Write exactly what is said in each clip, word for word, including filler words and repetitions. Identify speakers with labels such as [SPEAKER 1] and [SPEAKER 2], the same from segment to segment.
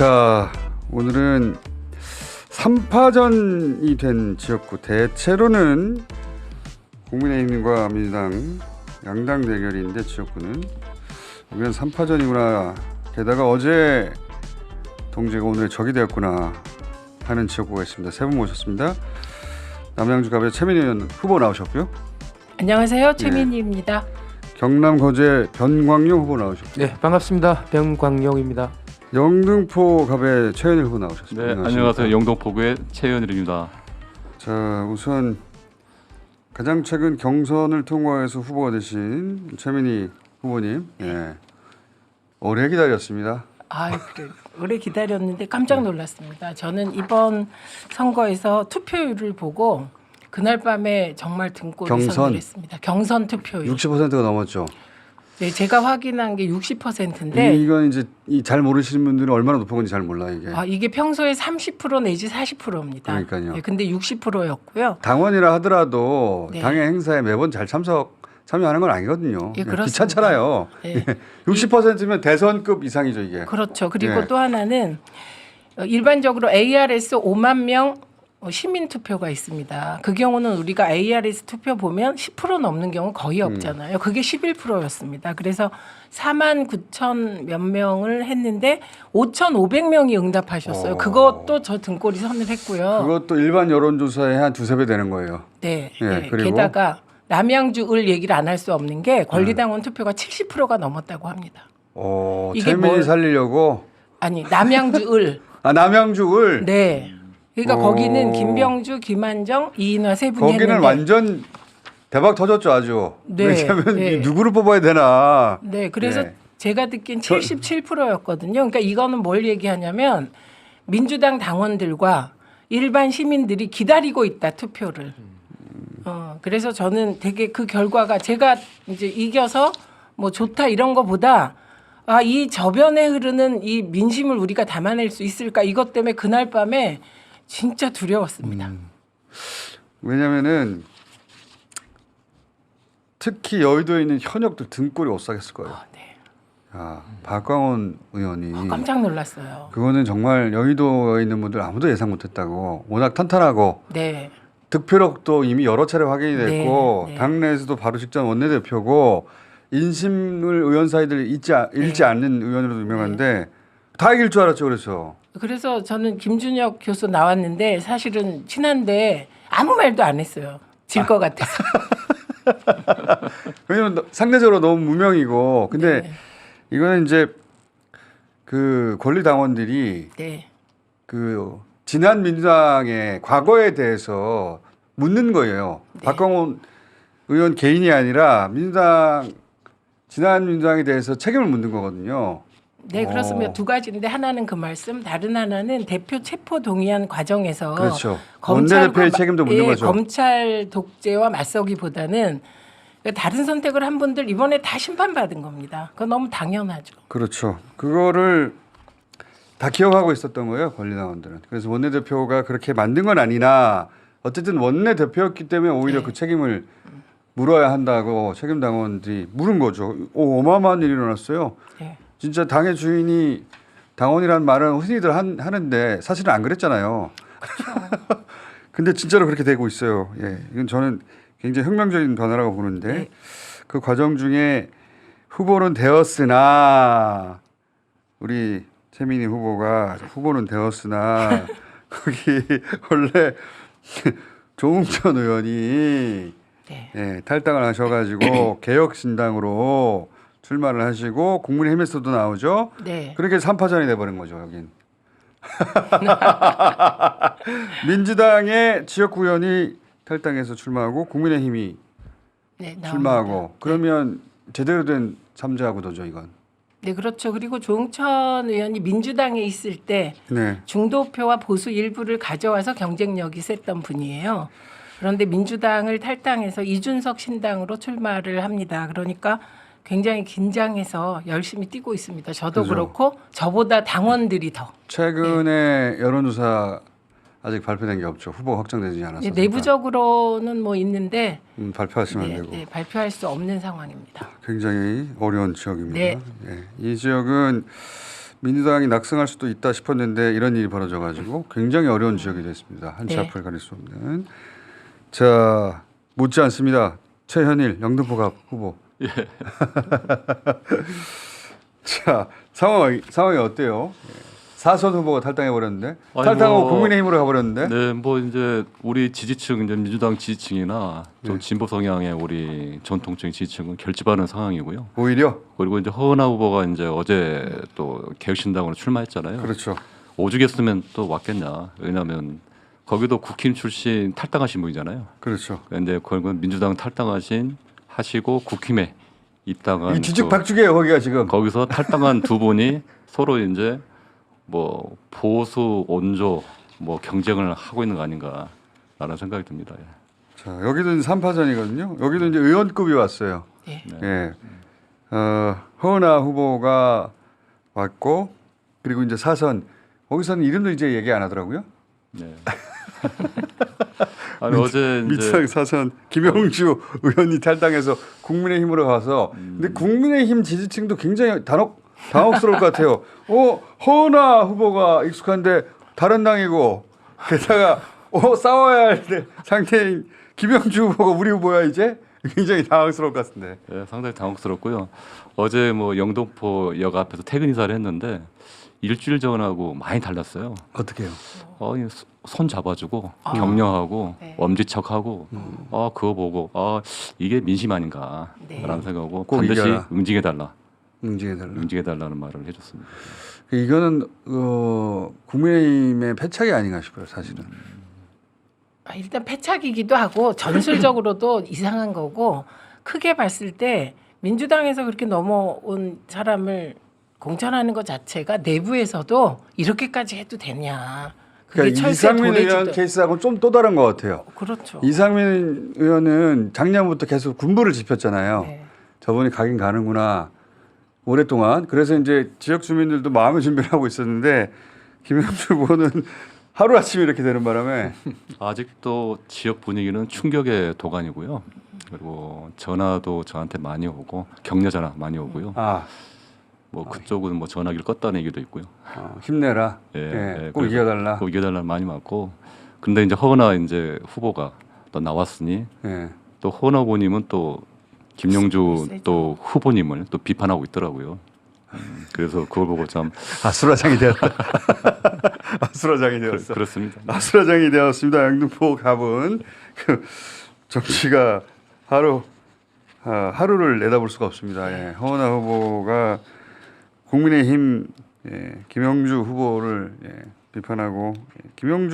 [SPEAKER 1] 자, 오늘은 삼 파전이 된 지역구, 대체로는 국민의힘과 민주당 양당 대결인데 지역구는 여기는 삼 파전이구나. 게다가 어제 동지가 오늘 적이 되었구나 하는 지역구가 있습니다. 세 분 모셨습니다. 남양주갑의 최민희 의원 후보 나오셨고요.
[SPEAKER 2] 안녕하세요, 최민희입니다.
[SPEAKER 1] 네. 경남 거제 변광용 후보 나오셨고요.
[SPEAKER 3] 네, 반갑습니다. 변광용입니다.
[SPEAKER 1] 영등포 갑의 최현일 후보 나오셨습니다.
[SPEAKER 4] 네, 안녕하세요. 영등포구의 최현일입니다.
[SPEAKER 1] 자, 우선 가장 최근 경선을 통과해서 후보가 되신 최민희 후보님, 예, 오래 기다렸습니다.
[SPEAKER 2] 아, 그래. 오래 기다렸는데 깜짝 놀랐습니다. 저는 이번 선거에서 투표율을 보고 그날 밤에 정말 등골이
[SPEAKER 1] 경선?
[SPEAKER 2] 서늘했습니다. 경선 투표율.
[SPEAKER 1] 육십 퍼센트가 넘었죠.
[SPEAKER 2] 네, 제가 확인한 게 육십 퍼센트인데
[SPEAKER 1] 이건 이제 이 잘 모르시는 분들은 얼마나 높은 건지 잘 몰라요, 이게.
[SPEAKER 2] 아, 이게 평소에 삼십 퍼센트 내지 사십 퍼센트입니다.
[SPEAKER 1] 그러니까요.
[SPEAKER 2] 네, 근데 육십 퍼센트였고요.
[SPEAKER 1] 당원이라 하더라도
[SPEAKER 2] 네.
[SPEAKER 1] 당의 행사에 매번 잘 참석 참여하는 건 아니거든요.
[SPEAKER 2] 예,
[SPEAKER 1] 그냥
[SPEAKER 2] 그렇습니다.
[SPEAKER 1] 귀찮잖아요.
[SPEAKER 2] 네.
[SPEAKER 1] 육십 퍼센트면 대선급 이상이죠, 이게.
[SPEAKER 2] 그렇죠. 그리고
[SPEAKER 1] 네.
[SPEAKER 2] 또 하나는 일반적으로 에이알에스 오만 명 시민 투표가 있습니다. 그 경우는 우리가 에이알에스 투표 보면 십 퍼센트 넘는 경우 거의 없잖아요. 그게 십일 퍼센트였습니다. 그래서 사만 구천 몇 명을 했는데 오천오백 명이 응답하셨어요.
[SPEAKER 1] 오.
[SPEAKER 2] 그것도 저 등골이 서늘했고요.
[SPEAKER 1] 그것도 일반 여론조사의 한 두세 배 되는 거예요.
[SPEAKER 2] 네.
[SPEAKER 1] 예,
[SPEAKER 2] 네.
[SPEAKER 1] 그리고?
[SPEAKER 2] 게다가 남양주 을 얘기를 안 할 수 없는 게 권리당원 투표가 칠십 퍼센트가 넘었다고 합니다.
[SPEAKER 1] 오,
[SPEAKER 2] 이게
[SPEAKER 1] 최민희
[SPEAKER 2] 뭘-
[SPEAKER 1] 살리려고.
[SPEAKER 2] 아니 남양주 을.
[SPEAKER 1] 아, 남양주을.
[SPEAKER 2] 네. 그러니까
[SPEAKER 1] 오.
[SPEAKER 2] 거기는 김병주, 김한정, 이인화 세 분이
[SPEAKER 1] 거기는
[SPEAKER 2] 했는데
[SPEAKER 1] 완전 대박 터졌죠, 아주.
[SPEAKER 2] 네,
[SPEAKER 1] 왜냐하면
[SPEAKER 2] 네.
[SPEAKER 1] 누구를 뽑아야 되나.
[SPEAKER 2] 네, 그래서
[SPEAKER 1] 네.
[SPEAKER 2] 제가 듣기엔 칠십칠 퍼센트였거든요. 그러니까 이거는 뭘 얘기하냐면 민주당 당원들과 일반 시민들이 기다리고 있다 투표를. 어, 그래서 저는 되게 그 결과가 제가 이제 이겨서 뭐 좋다 이런 거보다 아, 이 저변에 흐르는 이 민심을 우리가 담아낼 수 있을까 이것 때문에 그날 밤에 진짜 두려웠습니다.
[SPEAKER 1] 음. 왜냐면은 특히 여의도에 있는 현역들 등골이 오싹했을 거예요.
[SPEAKER 2] 아, 네.
[SPEAKER 1] 아, 박광원 의원이
[SPEAKER 2] 아, 깜짝 놀랐어요.
[SPEAKER 1] 그거는 정말 여의도에 있는 분들 아무도 예상 못했다고. 워낙 탄탄하고
[SPEAKER 2] 네.
[SPEAKER 1] 득표력도 이미 여러 차례 확인이 됐고
[SPEAKER 2] 네, 네.
[SPEAKER 1] 당내에서도 바로 직전 원내대표고 인심을 의원 사이들 잊지, 아- 잃지
[SPEAKER 2] 네.
[SPEAKER 1] 않는 의원으로도 유명한데 다 이길 줄 알았죠. 그래서
[SPEAKER 2] 그래서 저는 김준혁 교수 나왔는데 사실은 친한데 아무 말도 안 했어요. 질 것 같아서.
[SPEAKER 1] 왜냐면 너- 상대적으로 너무 무명이고 근데
[SPEAKER 2] 네.
[SPEAKER 1] 이거는 이제 그 권리 당원들이
[SPEAKER 2] 네.
[SPEAKER 1] 그 지난 민주당의 과거에 대해서 묻는 거예요.
[SPEAKER 2] 네.
[SPEAKER 1] 박광원 의원 개인이 아니라 민주당 지난 민주당에 대해서 책임을 묻는 거거든요.
[SPEAKER 2] 네, 그렇습니다.
[SPEAKER 1] 어.
[SPEAKER 2] 두 가지인데 하나는 그 말씀, 다른 하나는 대표 체포 동의안 과정에서
[SPEAKER 1] 그렇죠.
[SPEAKER 2] 검찰과
[SPEAKER 1] 원내대표의
[SPEAKER 2] 마-
[SPEAKER 1] 책임도 묻는
[SPEAKER 2] 예,
[SPEAKER 1] 거죠.
[SPEAKER 2] 검찰 독재와 맞서기보다는 다른 선택을 한 분들 이번에 다 심판받은 겁니다. 그건 너무 당연하죠.
[SPEAKER 1] 그렇죠. 그거를 다 기억하고 있었던 거예요. 권리당원들은. 그래서 원내대표가 그렇게 만든 건 아니나 어쨌든 원내대표였기 때문에 오히려
[SPEAKER 2] 네.
[SPEAKER 1] 그 책임을 물어야 한다고 책임당원들이 물은 거죠. 오, 어마어마한 일이 일어났어요.
[SPEAKER 2] 네.
[SPEAKER 1] 진짜 당의 주인이 당원이라는 말은 흔히들 한, 하는데 사실은 안 그랬잖아요. 근데 진짜로 그렇게 되고 있어요. 예, 이건 저는 굉장히 혁명적인 변화라고 보는데
[SPEAKER 2] 네.
[SPEAKER 1] 그 과정 중에 후보는 되었으나 우리 최민희 후보가 후보는 되었으나 거기 원래 조응천 의원이
[SPEAKER 2] 네.
[SPEAKER 1] 예, 탈당을 하셔가지고 개혁신당으로 출마를 하시고 국민의힘에서도 나오죠.
[SPEAKER 2] 네.
[SPEAKER 1] 그렇게 삼 파전이 돼버린 거죠, 여긴. 민주당의 지역구 의원이 탈당해서 출마하고 국민의힘이
[SPEAKER 2] 네, 나옵니다.
[SPEAKER 1] 출마하고 그러면 제대로 된 삼자 구도죠, 이건.
[SPEAKER 2] 네, 그렇죠. 그리고 조응천 의원이 민주당에 있을 때
[SPEAKER 1] 네.
[SPEAKER 2] 중도표와 보수 일부를 가져와서 경쟁력이 셌던 분이에요. 그런데 민주당을 탈당해서 이준석 신당으로 출마를 합니다. 그러니까 굉장히 긴장해서 열심히 뛰고 있습니다. 저도
[SPEAKER 1] 그죠.
[SPEAKER 2] 그렇고 저보다 당원들이 더.
[SPEAKER 1] 최근에 여론조사 아직 발표된 게 없죠. 후보 확정되지 않았어요.
[SPEAKER 2] 네, 내부적으로는 뭐 있는데
[SPEAKER 1] 음, 발표하시면
[SPEAKER 2] 네,
[SPEAKER 1] 안 되고
[SPEAKER 2] 네, 발표할 수 없는 상황입니다.
[SPEAKER 1] 굉장히 어려운 지역입니다.
[SPEAKER 2] 네.
[SPEAKER 1] 예, 이 지역은 민주당이 낙승할 수도 있다 싶었는데 이런 일이 벌어져가지고 굉장히 어려운 지역이 됐습니다. 한 치
[SPEAKER 2] 네.
[SPEAKER 1] 앞을 가릴 수 없는. 자, 못지 않습니다. 최현일 영등포갑 후보.
[SPEAKER 4] 예.
[SPEAKER 1] 자, 상황 상황이 어때요? 사선 후보가 탈당해 버렸는데
[SPEAKER 4] 아니,
[SPEAKER 1] 탈당하고
[SPEAKER 4] 뭐,
[SPEAKER 1] 국민의힘으로 가버렸는데.
[SPEAKER 4] 네, 뭐 이제 우리 지지층 이제 민주당 지지층이나 좀
[SPEAKER 1] 네.
[SPEAKER 4] 진보 성향의 우리 전통적인 지지층은 결집하는 상황이고요.
[SPEAKER 1] 오히려
[SPEAKER 4] 그리고 이제 허은하 후보가 이제 어제 또 개혁신당으로 출마했잖아요.
[SPEAKER 1] 그렇죠.
[SPEAKER 4] 오죽했으면 또 왔겠냐. 왜냐하면 거기도 국힘 출신 탈당하신 분이잖아요.
[SPEAKER 1] 그렇죠.
[SPEAKER 4] 근데 결국은 민주당 탈당하신 하시고 국힘에 입당한
[SPEAKER 1] 이
[SPEAKER 4] 그
[SPEAKER 1] 뒤죽박죽이에요 거기가 지금.
[SPEAKER 4] 거기서 탈당한 두 분이 서로 이제 뭐 보수 온조 뭐 경쟁을 하고 있는 거 아닌가라는 생각이 듭니다. 예.
[SPEAKER 1] 자, 여기도 이제 삼파전이거든요. 여기도 이제 의원급이 왔어요.
[SPEAKER 2] 네.
[SPEAKER 1] 예. 어, 허은하 후보가 왔고 그리고 이제 사선 거기서는 이름도 이제 얘기 안 하더라고요.
[SPEAKER 4] 네. 아니 어제 이제
[SPEAKER 1] 민주당 사선 김영주 의원이 탈당해서 국민의힘으로 가서 근데 국민의힘 지지층도 굉장히 단혹 당혹스러울 것 같아요. 어 허은하 후보가 익숙한데 다른 당이고 게다가 어 싸워야 할 상태인 김영주 후보가 우리 후보야 이제 굉장히 당황스러울 것 같은데.
[SPEAKER 4] 예, 상당히 당혹스럽고요. 어제 뭐 영등포역 앞에서 퇴근 인사를 했는데 일주일 전하고 많이 달랐어요.
[SPEAKER 1] 어떻게 해요?
[SPEAKER 4] 어, 이손 잡아주고
[SPEAKER 2] 아.
[SPEAKER 4] 격려하고
[SPEAKER 2] 네.
[SPEAKER 4] 엄지척하고 아 그거 보고 아 이게 민심 아닌가라는
[SPEAKER 2] 네.
[SPEAKER 4] 생각하고
[SPEAKER 1] 꼭
[SPEAKER 4] 반드시
[SPEAKER 1] 이겨라.
[SPEAKER 4] 응징해달라,
[SPEAKER 1] 응징해달라.
[SPEAKER 4] 응징해달라는 말을 해줬습니다.
[SPEAKER 1] 이거는 어, 국민의힘의 패착이 아닌가 싶어요 사실은.
[SPEAKER 2] 아, 일단 패착이기도 하고 전술적으로도 이상한 거고 크게 봤을 때 민주당에서 그렇게 넘어온 사람을 공천하는 것 자체가 내부에서도 이렇게까지 해도 되냐. 그게
[SPEAKER 1] 그러니까
[SPEAKER 2] 철새
[SPEAKER 1] 이상민 의원
[SPEAKER 2] 도래지도-
[SPEAKER 1] 케이스하고는 좀 또 다른 것 같아요.
[SPEAKER 2] 그렇죠.
[SPEAKER 1] 이상민 의원은 작년부터 계속 군부를 짚었잖아요.
[SPEAKER 2] 네.
[SPEAKER 1] 저분이 가긴 가는구나 오랫동안. 그래서 이제 지역 주민들도 마음의 준비를 하고 있었는데 김영주 후보는 하루 아침에 이렇게 되는 바람에
[SPEAKER 4] 아직도 지역 분위기는 충격의 도가니고요. 그리고 전화도 저한테 많이 오고 격려 전화 많이 오고요.
[SPEAKER 1] 아,
[SPEAKER 4] 뭐 그쪽은 뭐 전화기를 껐다는 얘기도 있고요.
[SPEAKER 1] 어, 힘내라.
[SPEAKER 4] 예,
[SPEAKER 1] 예,
[SPEAKER 4] 예,
[SPEAKER 1] 꼭
[SPEAKER 4] 그래서
[SPEAKER 1] 이겨달라.
[SPEAKER 4] 꼭 이겨달라 많이 맞고. 근데 이제 허은하 이제 후보가 또 나왔으니
[SPEAKER 1] 예.
[SPEAKER 4] 또 허은하 후보님은 또 김영주
[SPEAKER 2] 세죠.
[SPEAKER 4] 또 후보님을 또 비판하고 있더라고요. 음, 그래서 그걸 보고 참
[SPEAKER 1] 아수라장이 되었다. 아수라장이 되었어.
[SPEAKER 4] 그렇습니다.
[SPEAKER 1] 아수라장이 되었습니다. 영등포 갑은 그 정치가 하루 아, 하루를 내다볼 수가 없습니다. 예. 허은하 후보가 국민의힘 예, 김영주 후보를 예, 비판하고 예, 김영주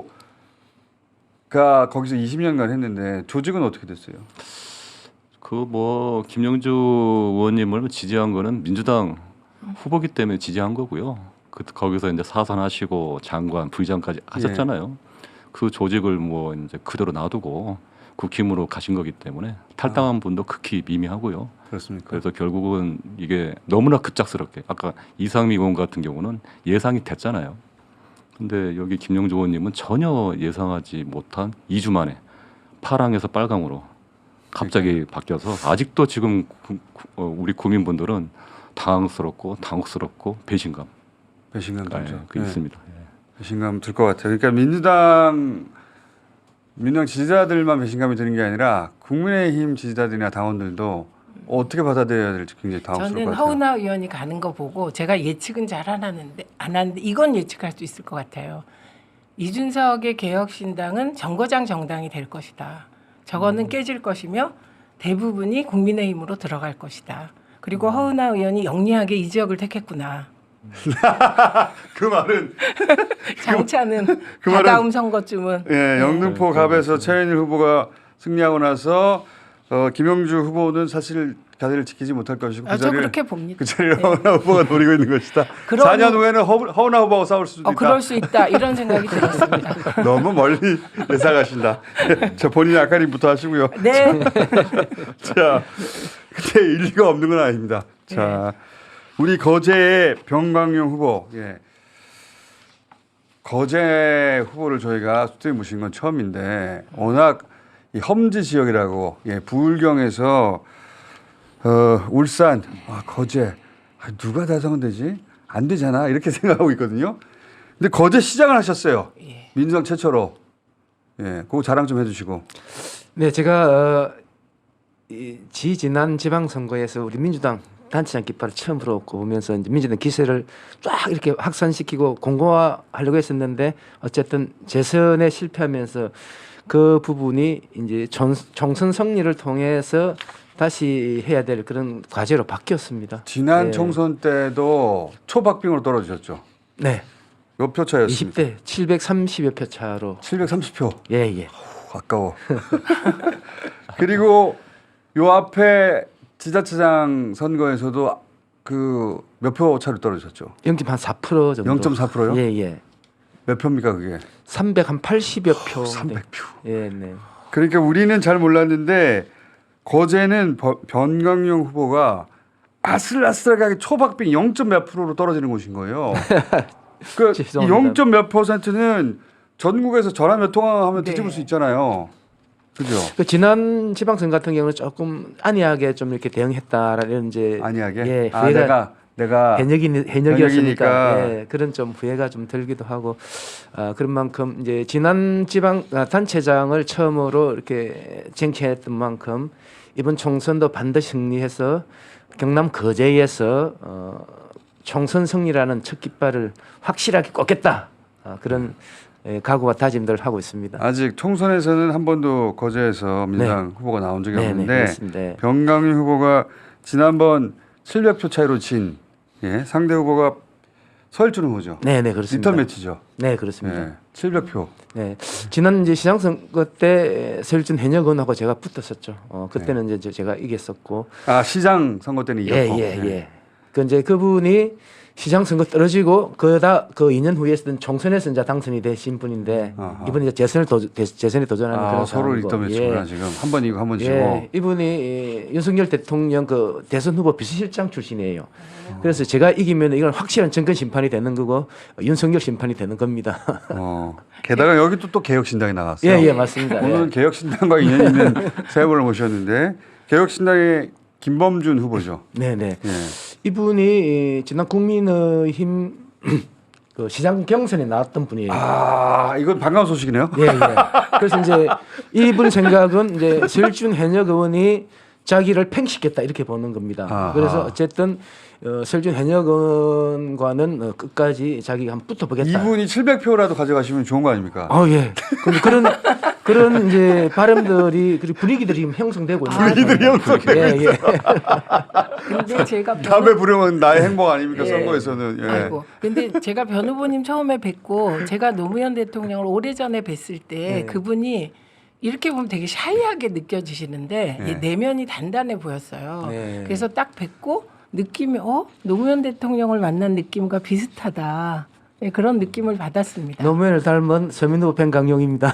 [SPEAKER 1] 후보가 거기서 이십 년간 했는데 조직은 어떻게 됐어요?
[SPEAKER 4] 그 뭐 김영주 의원님을 지지한 거는 민주당 후보기 때문에 지지한 거고요. 그 거기서 이제 사선하시고 장관, 부의장까지 하셨잖아요. 그 조직을 뭐 이제 그대로 놔두고 국힘으로 가신 거기 때문에 탈당한 분도 극히 미미하고요.
[SPEAKER 1] 그렇습니까?
[SPEAKER 4] 그래서 결국은 이게 너무나 급작스럽게 아까 이상미 의원 같은 경우는 예상이 됐잖아요. 근데 여기 김영주 의원님은 전혀 예상하지 못한 이 주 만에 파랑에서 빨강으로 갑자기 바뀌어서 아직도 지금 구, 구, 어, 우리 국민분들은 당황스럽고 당혹스럽고 배신감
[SPEAKER 1] 배신감
[SPEAKER 4] 아,
[SPEAKER 1] 들죠.
[SPEAKER 4] 예, 그
[SPEAKER 1] 예.
[SPEAKER 4] 있습니다.
[SPEAKER 1] 배신감 들 것 같아요. 그러니까 민주당 민주당 지지자들만 배신감이 드는 게 아니라 국민의힘 지지자들이나 당원들도 어떻게 받아들여야 될지 굉장히 당황스러울
[SPEAKER 2] 저는
[SPEAKER 1] 것 같아요.
[SPEAKER 2] 허은하 의원이 가는 거 보고 제가 예측은 잘 안 하는데 안 하는데 이건 예측할 수 있을 것 같아요. 이준석의 개혁신당은 정거장 정당이 될 것이다. 저거는 깨질 것이며 대부분이 국민의힘으로 들어갈 것이다. 그리고 허은하 의원이 영리하게 이 지역을 택했구나.
[SPEAKER 1] 그 말은
[SPEAKER 2] 장차는
[SPEAKER 1] 그 말은-
[SPEAKER 2] 다다음 선거쯤은
[SPEAKER 1] 예, 영등포 갑에서 최현일 후보가 승리하고 나서 어, 김영주 후보는 사실 자리를 지키지 못할 것이고 그
[SPEAKER 2] 아, 저
[SPEAKER 1] 자리를
[SPEAKER 2] 그렇게 봅니다.
[SPEAKER 1] 그 자리를
[SPEAKER 2] 네.
[SPEAKER 1] 허은하 후보가 노리고 있는 것이다.
[SPEAKER 2] 그럼-
[SPEAKER 1] 사 년 후에는 허, 허은하 후보하고 싸울 수도
[SPEAKER 2] 어,
[SPEAKER 1] 있다.
[SPEAKER 2] 그럴 수 있다 이런 생각이 들었습니다.
[SPEAKER 1] 너무 멀리 예상하신다. 자, 본인 아까림부터 하시고요.
[SPEAKER 2] 네.
[SPEAKER 1] 자, 근데 일리가 없는 건 아닙니다. 자, 우리 거제의 병광용 후보, 예. 거제 후보를 저희가 수트에 모신 건 처음인데 워낙 이 험지 지역이라고, 예, 부울경에서 어, 울산, 아, 거제, 아, 누가 다성되지? 안 되잖아 이렇게 생각하고 있거든요. 근데 거제 시장을 하셨어요.
[SPEAKER 2] 예.
[SPEAKER 1] 민주당 최초로. 예, 그거 자랑 좀 해주시고.
[SPEAKER 3] 네, 제가 어, 이 지지난 지방선거에서 우리 민주당 단체장 깃발을 처음 불어오고 오면서 이제 민주당 기세를 쫙 이렇게 확산시키고 공고화하려고 했었는데 어쨌든 재선에 실패하면서 그 부분이 이제 전, 총선 승리를 통해서 다시 해야 될 그런 과제로 바뀌었습니다.
[SPEAKER 1] 지난
[SPEAKER 3] 네.
[SPEAKER 1] 총선 때도 초박빙으로 떨어지셨죠.
[SPEAKER 3] 네,
[SPEAKER 1] 몇 표 차였습니까?
[SPEAKER 3] 이십 대 칠백삼십여 표 차로.
[SPEAKER 1] 칠백삼십 표.
[SPEAKER 3] 예, 예.
[SPEAKER 1] 아까워. 그리고 요 앞에 지자체장 선거에서도 그 몇 표 차로 떨어졌죠.
[SPEAKER 3] 영 점 사 퍼센트 정도.
[SPEAKER 1] 영 점 사 퍼센트요?
[SPEAKER 3] 예, 예.
[SPEAKER 1] 몇 표입니까 그게?
[SPEAKER 3] 삼백팔십여 표.
[SPEAKER 1] 삼백 표.
[SPEAKER 3] 예, 네.
[SPEAKER 1] 그러니까 우리는 잘 몰랐는데 거제는 버- 변광용 후보가 아슬아슬하게 초박빙 영 점 몇 프로로 떨어지는 곳인 거예요. 그
[SPEAKER 3] 죄송합니다.
[SPEAKER 1] 영 점 몇 퍼센트는 전국에서 전화 몇 통화하면
[SPEAKER 2] 네.
[SPEAKER 1] 뒤집을 수 있잖아요. 그죠?
[SPEAKER 3] 그 지난 지방선거 같은 경우는 조금 안이하게 좀 이렇게 대응했다라는 이제
[SPEAKER 1] 아니하게.
[SPEAKER 3] 예,
[SPEAKER 1] 아
[SPEAKER 3] 후회가
[SPEAKER 1] 내가 내가
[SPEAKER 3] 해적이
[SPEAKER 1] 현역이니까.
[SPEAKER 3] 해적이었으니까 예, 그런 좀 후회가 좀 들기도 하고 아, 그런 만큼 이제 지난 지방 아, 단체장을 처음으로 이렇게 쟁취했던 만큼 이번 총선도 반드시 승리해서 경남 거제에서 어, 총선 승리라는 첫 깃발을 확실하게 꽂겠다 아, 그런 예, 각오와 다짐들을 하고 있습니다.
[SPEAKER 1] 아직 총선에서는 한 번도 거제에서 민주당 후보가 나온 적이
[SPEAKER 3] 네, 네,
[SPEAKER 1] 없는데
[SPEAKER 3] 그렇습니다. 네.
[SPEAKER 1] 변강윤 후보가 지난번 칠백 표 차이로 진 예, 상대 후보가 서일준 후보죠.
[SPEAKER 3] 네, 네, 그렇습니다.
[SPEAKER 1] 리턴 매치죠.
[SPEAKER 3] 네, 그렇습니다.
[SPEAKER 1] 예, 칠백 표.
[SPEAKER 3] 네, 지난 이제 시장 선거 때 서울준 현역 의원하고 제가 붙었었죠. 어, 그때는 이제 제가 이겼었고,
[SPEAKER 1] 아 시장 선거 때는
[SPEAKER 3] 예,
[SPEAKER 1] 이겼고.
[SPEAKER 3] 예, 예. 그 이제 그분이 시장 선거 떨어지고 그다 그 이 년 후에 했던 총선에서 이제 당선이 되신 분인데
[SPEAKER 1] 아하.
[SPEAKER 3] 이번에 이제 재선을 도, 재선에 도전하는
[SPEAKER 1] 아
[SPEAKER 3] 그런
[SPEAKER 1] 서로
[SPEAKER 3] 상황이고.
[SPEAKER 1] 리턴 매치구나 지금 한 번 이고 한 번 지고.
[SPEAKER 3] 예, 이분이 이 윤석열 대통령 그 대선 후보 비서실장 출신이에요. 그래서 제가 이기면 이건 확실한 정권 심판이 되는 거고 윤석열 심판이 되는 겁니다.
[SPEAKER 1] 어. 게다가 여기 또, 또 개혁신당이 나갔어요.
[SPEAKER 3] 예, 예, 맞습니다.
[SPEAKER 1] 오늘은
[SPEAKER 3] 예.
[SPEAKER 1] 개혁신당과 인연 있는 세 분을 모셨는데 개혁신당의 김범준 후보죠.
[SPEAKER 3] 네, 네.
[SPEAKER 1] 예.
[SPEAKER 3] 이분이 지난 국민의힘 그 시장 경선에 나왔던 분이에요.
[SPEAKER 1] 아 이건 반가운 소식이네요.
[SPEAKER 3] 예, 예. 그래서 이제 이분 생각은 이제 서울준 현역 의원이 자기를 팽식했다 이렇게 보는 겁니다.
[SPEAKER 1] 아하.
[SPEAKER 3] 그래서 어쨌든 어, 서울준 현역 의원과는 어, 끝까지 자기가 한번 붙어보겠다.
[SPEAKER 1] 이분이 칠백 표라도 가져가시면 좋은 거 아닙니까?
[SPEAKER 3] 아 예. 근데 그런 그런 이제 발음들이 그리고 분위기들이 지금 형성되고 있는
[SPEAKER 1] 분위기들이
[SPEAKER 3] 거예요.
[SPEAKER 1] 형성되고
[SPEAKER 3] 예, 예.
[SPEAKER 2] 근데 제가
[SPEAKER 1] 다음에 부르면 나의 행복 아닙니까
[SPEAKER 2] 예.
[SPEAKER 1] 선거에서는. 예.
[SPEAKER 2] 아이고. 근데 제가 변 후보님 처음에 뵙고 제가 노무현 대통령을 오래전에 뵀을 때
[SPEAKER 3] 네.
[SPEAKER 2] 그분이 이렇게 보면 되게 샤이하게 느껴지시는데
[SPEAKER 1] 네.
[SPEAKER 2] 이 내면이 단단해 보였어요.
[SPEAKER 3] 네.
[SPEAKER 2] 그래서 딱 뵙고 느낌이 어 노무현 대통령을 만난 느낌과 비슷하다. 네, 그런 느낌을 받았습니다.
[SPEAKER 3] 노무현을 닮은 서민 후보 변강용입니다.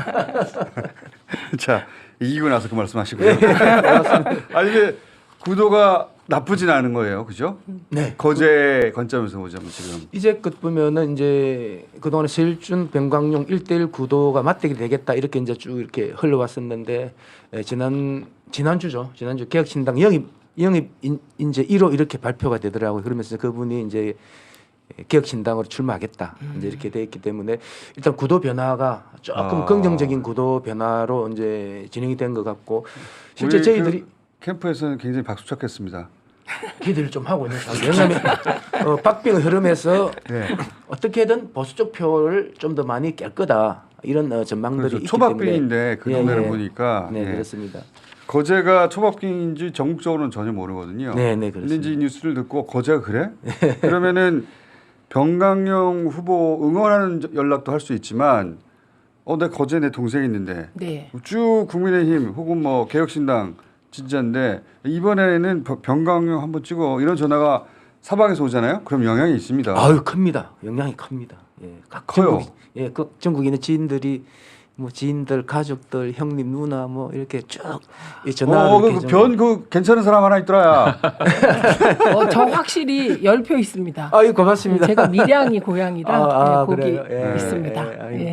[SPEAKER 1] 자 이기고 나서 그 말씀하시고요. 아니 근데 구도가 나쁘진 않은 거예요, 그죠?
[SPEAKER 3] 네.
[SPEAKER 1] 거제 관점에서 보자면 지금.
[SPEAKER 3] 이제껏 보면은 이제 그동안에 서일준 변광용 일대일 구도가 맞대결이 되겠다 이렇게 이제 쭉 이렇게 흘러왔었는데 예, 지난 지난주죠. 지난주 개혁신당 영입 영입 인, 이제 일 호 이렇게 발표가 되더라고요. 그러면서 그분이 이제 개혁신당으로 출마하겠다 이제 이렇게 돼 있기 때문에 일단 구도 변화가 조금
[SPEAKER 1] 아.
[SPEAKER 3] 긍정적인 구도 변화로 이제 진행이 된 것 같고 실제
[SPEAKER 1] 우리
[SPEAKER 3] 저희들이
[SPEAKER 1] 그 캠프에서는 굉장히 박수쳤겠습니다.
[SPEAKER 3] 기대를 좀 하고 있는 상황. 왜냐하면 어, 박빙의 흐름에서
[SPEAKER 1] 네.
[SPEAKER 3] 어떻게든 보수 쪽 표를 좀 더 많이 깰 거다 이런 어, 전망들이
[SPEAKER 1] 그래서
[SPEAKER 3] 있기
[SPEAKER 1] 초박빙인데
[SPEAKER 3] 때문에
[SPEAKER 1] 그
[SPEAKER 3] 예,
[SPEAKER 1] 동네를
[SPEAKER 3] 예.
[SPEAKER 1] 보니까
[SPEAKER 3] 네
[SPEAKER 1] 예.
[SPEAKER 3] 그렇습니다.
[SPEAKER 1] 거제가 초박빙인지 전국적으로는 전혀 모르거든요.
[SPEAKER 3] 네, 네,
[SPEAKER 1] 근데
[SPEAKER 3] 그렇습니다.
[SPEAKER 1] 이제 이 뉴스를 듣고 거제가 그래? 그러면은 병강용 후보 응원하는 연락도 할 수 있지만 어, 내 거제 내 동생 있는데
[SPEAKER 2] 네.
[SPEAKER 1] 쭉 국민의힘 혹은 뭐 개혁신당 진짜인데 이번에는 병- 병강용 한번 찍어 이런 전화가 사방에서 오잖아요. 그럼 영향이 있습니다.
[SPEAKER 3] 아유 큽니다. 영향이 큽니다. 예, 각
[SPEAKER 1] 커요.
[SPEAKER 3] 전국 예, 그 전국에 있는 지인들이 뭐 지인들, 가족들, 형님, 누나 뭐 이렇게 쭉 이 전화를
[SPEAKER 1] 어,
[SPEAKER 3] 이렇게
[SPEAKER 1] 그
[SPEAKER 3] 좀-
[SPEAKER 1] 변 그 괜찮은 사람 하나 있더라야.
[SPEAKER 2] 어, 저 확실히 열 표 있습니다.
[SPEAKER 3] 아유 고맙습니다.
[SPEAKER 2] 제가 밀양이 고향이라
[SPEAKER 3] 아, 아,
[SPEAKER 2] 네, 거기
[SPEAKER 3] 그래요? 예,
[SPEAKER 2] 있습니다.
[SPEAKER 3] 예, 아이고.
[SPEAKER 2] 예.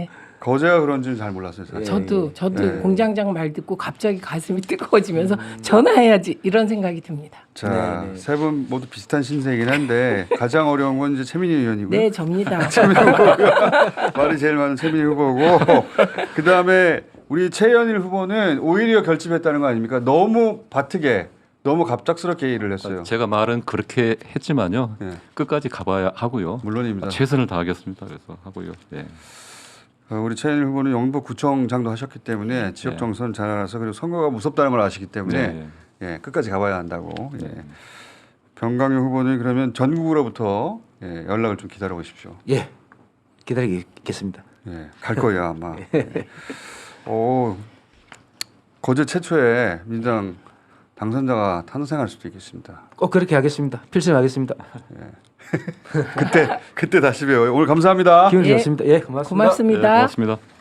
[SPEAKER 1] 거제가 그런지는 잘 몰랐어요. 사실.
[SPEAKER 3] 예.
[SPEAKER 2] 저도 저도
[SPEAKER 1] 네.
[SPEAKER 2] 공장장 말 듣고 갑자기 가슴이 뜨거워지면서 전화해야지 이런 생각이 듭니다.
[SPEAKER 1] 자,
[SPEAKER 3] 네, 네.
[SPEAKER 1] 세 분 모두 비슷한 신세이긴 한데 가장 어려운 건 이제 최민희 의원이고요.
[SPEAKER 2] 네, 접니다.
[SPEAKER 1] 말이 제일 많은 최민희 후보고 그 다음에 우리 최현일 후보는 오히려 결집했다는 거 아닙니까? 너무 바트게, 너무 갑작스럽게 일을 했어요.
[SPEAKER 4] 제가 말은 그렇게 했지만요.
[SPEAKER 1] 예.
[SPEAKER 4] 끝까지 가봐야 하고요.
[SPEAKER 1] 물론입니다.
[SPEAKER 4] 최선을 다하겠습니다. 그래서 하고요. 예.
[SPEAKER 1] 어, 우리 최현일 후보는 영부구청장도 하셨기 때문에 지역
[SPEAKER 4] 네.
[SPEAKER 1] 정선 잘 알아서 그리고 선거가 무섭다는 걸 아시기 때문에
[SPEAKER 4] 네.
[SPEAKER 1] 예, 끝까지 가봐야 한다고. 예.
[SPEAKER 4] 네.
[SPEAKER 1] 병강용 후보는 그러면 전국으로부터 예, 연락을 좀 기다려 보십시오.
[SPEAKER 3] 예, 기다리겠습니다.
[SPEAKER 1] 예, 갈 거예요 아마. 예. 오, 거제 최초의 민주당 당선자가 탄생할 수도 있겠습니다.
[SPEAKER 3] 꼭 그렇게 하겠습니다. 필승하겠습니다.
[SPEAKER 1] 그때 그때 다시 봬요. 오늘 감사합니다.
[SPEAKER 3] 기분
[SPEAKER 2] 예.
[SPEAKER 3] 좋습니다. 예, 고맙습니다.
[SPEAKER 2] 고맙습니다.
[SPEAKER 4] 네, 고맙습니다.